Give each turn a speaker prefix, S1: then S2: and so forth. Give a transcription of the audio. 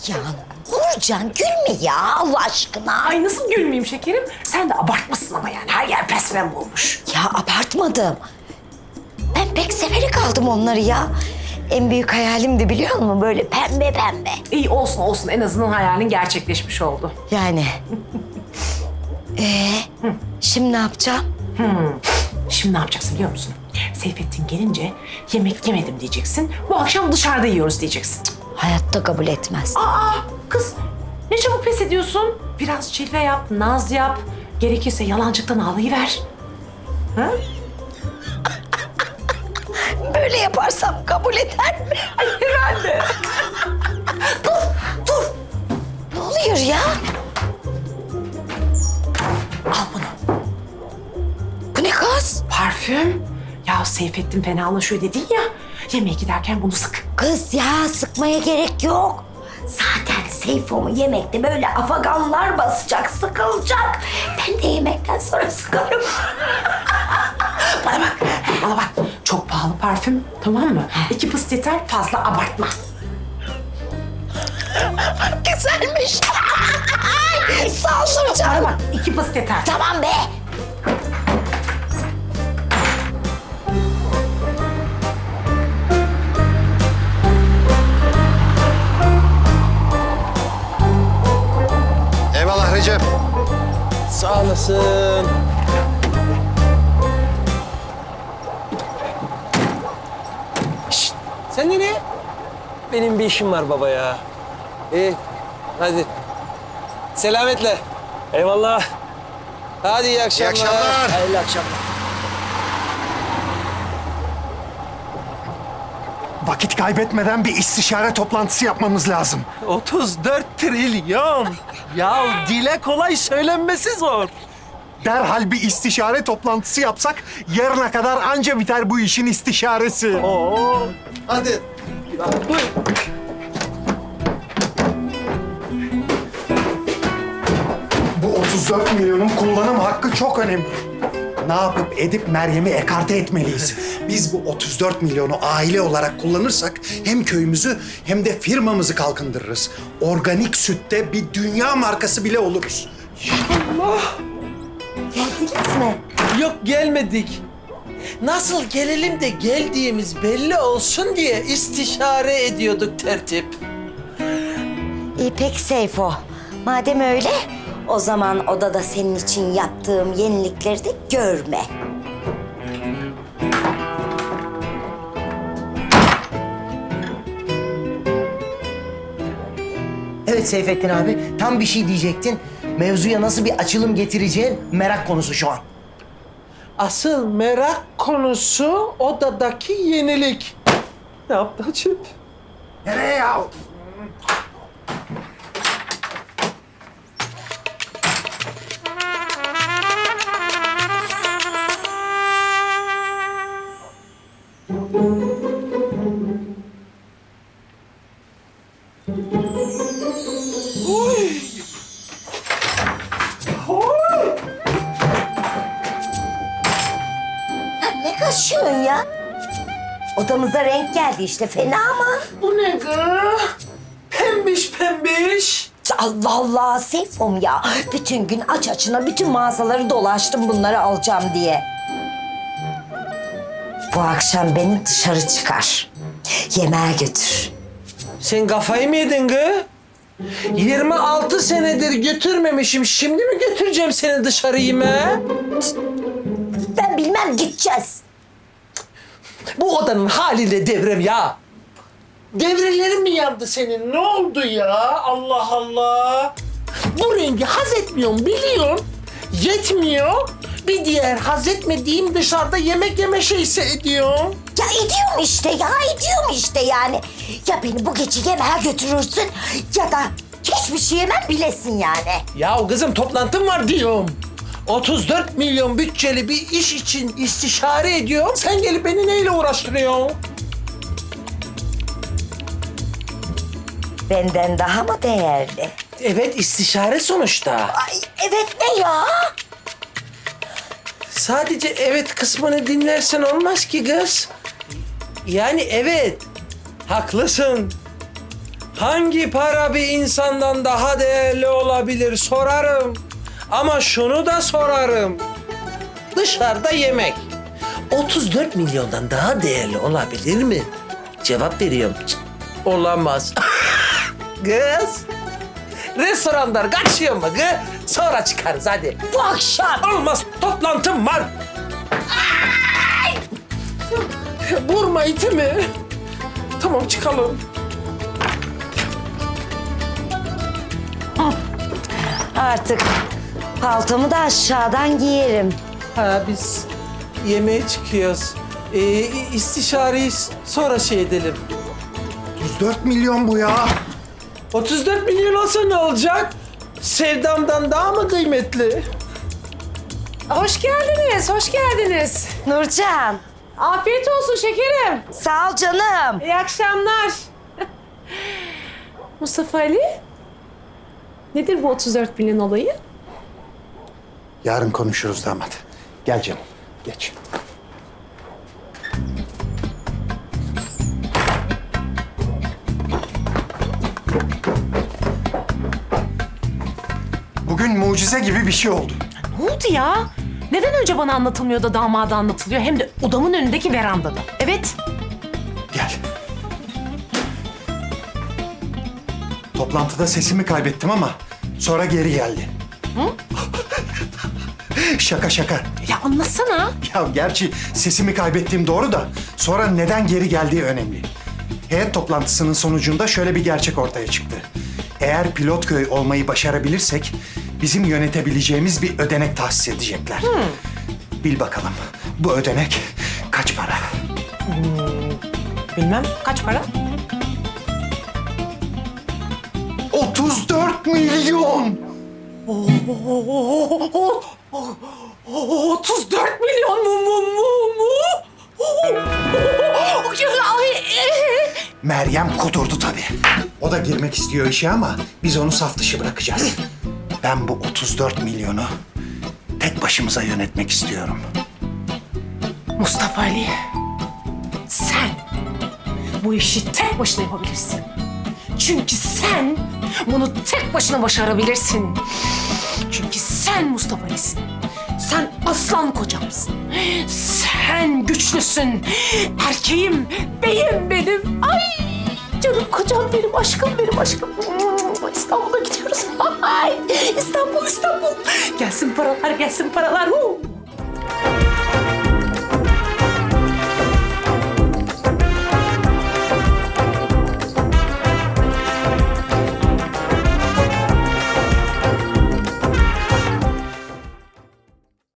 S1: Ya Nurcan gülme ya Allah aşkına.
S2: Ay nasıl gülmeyeyim şekerim? Sen de abartmasın ama yani. Her yer pembe olmuş.
S1: Ya abartmadım. Ben pek severek aldım onları ya. En büyük hayalimdi biliyor musun? Böyle pembe pembe.
S2: İyi olsun olsun. En azından hayalin gerçekleşmiş oldu.
S1: Yani. Şimdi ne yapacağım?
S2: Şimdi ne yapacaksın biliyor musun? Seyfettin gelince yemek yemedim diyeceksin. Bu akşam dışarıda yiyoruz diyeceksin. Cık.
S1: Hayatta kabul etmez.
S2: Aa kız ne çabuk pes ediyorsun? Biraz çilve yap, naz yap. Gerekirse yalancıktan ağlayıver. Ha?
S1: Böyle yaparsam kabul eder mi?
S2: Ay herhalde.
S1: Dur. Ne oluyor ya?
S2: Al bunu.
S1: Bu ne kız?
S2: Parfüm. Ya Seyfettin fenalaşıyor dedin ya. Yemeğe giderken bunu sık.
S1: Kız ya sıkmaya gerek yok. Zaten Seyfo'mu yemekte böyle afaganlar basacak, sıkılacak. Ben de yemekten sonra sıkarım.
S2: Bana bak. Çok pahalı parfüm, tamam mı? 2 pıs yeter, fazla abartma.
S1: Güzelmiş. Saldıracağım.
S2: Bana bak, 2 pıs yeter.
S1: Tamam be.
S3: Eyvallah Recep.
S4: Sağ olasın. Şşt, sen nereye? Benim bir işim var baba ya. İyi, hadi. Selametle. Eyvallah. Hadi iyi akşamlar.
S3: İyi akşamlar.
S4: Hayırlı akşamlar.
S5: Vakit kaybetmeden bir istişare toplantısı yapmamız lazım.
S4: 34 trilyon. Ya dile kolay söylenmesi zor.
S5: Derhal bir istişare toplantısı yapsak yarına kadar anca biter bu işin istişaresi.
S4: Oo.
S3: Hadi.
S4: Buyur.
S5: Bu 34 milyonun kullanım hakkı çok önemli. Ne yapıp edip Meryem'i ekarte etmeliyiz. Biz bu 34 milyonu aile olarak kullanırsak hem köyümüzü hem de firmamızı kalkındırırız. Organik sütte bir dünya markası bile oluruz.
S1: Geldiniz mi?
S6: Yok gelmedik. Nasıl gelelim de geldiğimiz belli olsun diye istişare ediyorduk tertip.
S1: İyi peki Seyfo. Madem öyle, o zaman odada senin için yaptığım yenilikleri de görme.
S7: Evet Seyfettin abi, tam bir şey diyecektin. Mevzuya nasıl bir açılım getireceğin merak konusu şu an.
S6: Asıl merak konusu odadaki yenilik. Ne yaptı Hacip?
S5: Nereye ya?
S1: Ne kaşıyorsun ya? Odamıza renk geldi işte, fena mı?
S6: Bu ne gı? Pembiş pembiş.
S1: Allah Allah Seyfom ya. Bütün gün aç açına bütün mağazaları dolaştım bunları alacağım diye. Bu akşam beni dışarı çıkar. Yemeğe götür.
S6: Sen kafayı mı yedin gı? 26 senedir götürmemişim. Şimdi mi götüreceğim seni dışarı yemeğe?
S1: Ben bilmem, gideceğiz.
S6: Bu odanın haliyle devrem ya. Devrelerin mi yandı senin? Ne oldu ya? Allah Allah. Bu rengi haz etmiyorum biliyorum. Yetmiyor. Bir diğer haz etmediğim dışarıda yemek yeme şeysi ediyorum.
S1: Ya ediyorum işte ya, ediyorum işte yani. Ya beni bu gece yemeğe götürürsün ya da hiçbir şey yemem bilesin yani.
S6: Ya kızım toplantım var diyorum. 34 milyon bütçeli bir iş için istişare ediyorum. Sen gelip beni neyle uğraştırıyorsun?
S1: Benden daha mı değerli?
S6: Evet istişare sonuçta.
S1: Ay evet, ne ya?
S6: Sadece evet kısmını dinlersen olmaz ki kız. Yani evet, haklısın.
S4: Hangi para bir insandan daha değerli olabilir sorarım. Ama şunu da sorarım. Dışarıda yemek 34 milyondan daha değerli olabilir mi? Cevap veriyorum. Cık, olamaz. Kız. Restoranlar kaçıyor mu kız? Sonra çıkarız hadi.
S1: Bu akşam.
S4: Olmaz, toplantım var. Vurma itimi. Tamam, çıkalım.
S1: Artık paltomu da aşağıdan giyerim.
S4: Ha, biz yemeğe çıkıyoruz. İstişareyi sonra şey edelim.
S5: 34 milyon bu ya.
S4: 34 milyon olsa ne olacak? Sevdamdan daha mı kıymetli?
S2: Hoş geldiniz, hoş geldiniz.
S1: Nurcan,
S2: Afiyet olsun şekerim.
S1: sağ ol canım.
S2: İyi akşamlar. Mustafa Ali, nedir bu 34 milyon olayı?
S5: Yarın konuşuruz damat. Gel canım, geç. Bugün mucize gibi bir şey oldu.
S2: Ne oldu ya? Neden önce bana anlatılmıyor da damada anlatılıyor? Hem de odamın önündeki verandada. Evet.
S5: Gel. Toplantıda sesimi kaybettim ama sonra geri geldi. Şaka şaka.
S2: Ya anlatsana.
S5: Ya gerçi sesimi kaybettiğim doğru da sonra neden geri geldiği önemli. Heyet toplantısının sonucunda şöyle bir gerçek ortaya çıktı. Eğer Pilotköy olmayı başarabilirsek bizim yönetebileceğimiz bir ödenek tahsis edecekler. Bil bakalım bu ödenek kaç para?
S2: Bilmem. Kaç para?
S5: 34 milyon!
S2: 34 milyon mu?
S5: Meryem kudurdu tabii. O da girmek istiyor işe ama biz onu saf dışı bırakacağız. Ben bu 34 milyonu tek başımıza yönetmek istiyorum.
S2: Mustafa Ali, sen bu işi tek başına yapabilirsin. Çünkü sen bunu tek başına başarabilirsin. Çünkü sen Mustafa Ali'sin. Sen aslan kocamsın. Sen güçlüsün. Erkeğim, beyim benim. Ay canım kocam benim, aşkım benim, aşkım. İstanbul'a gidiyoruz. Ay, İstanbul. Gelsin paralar, gelsin paralar.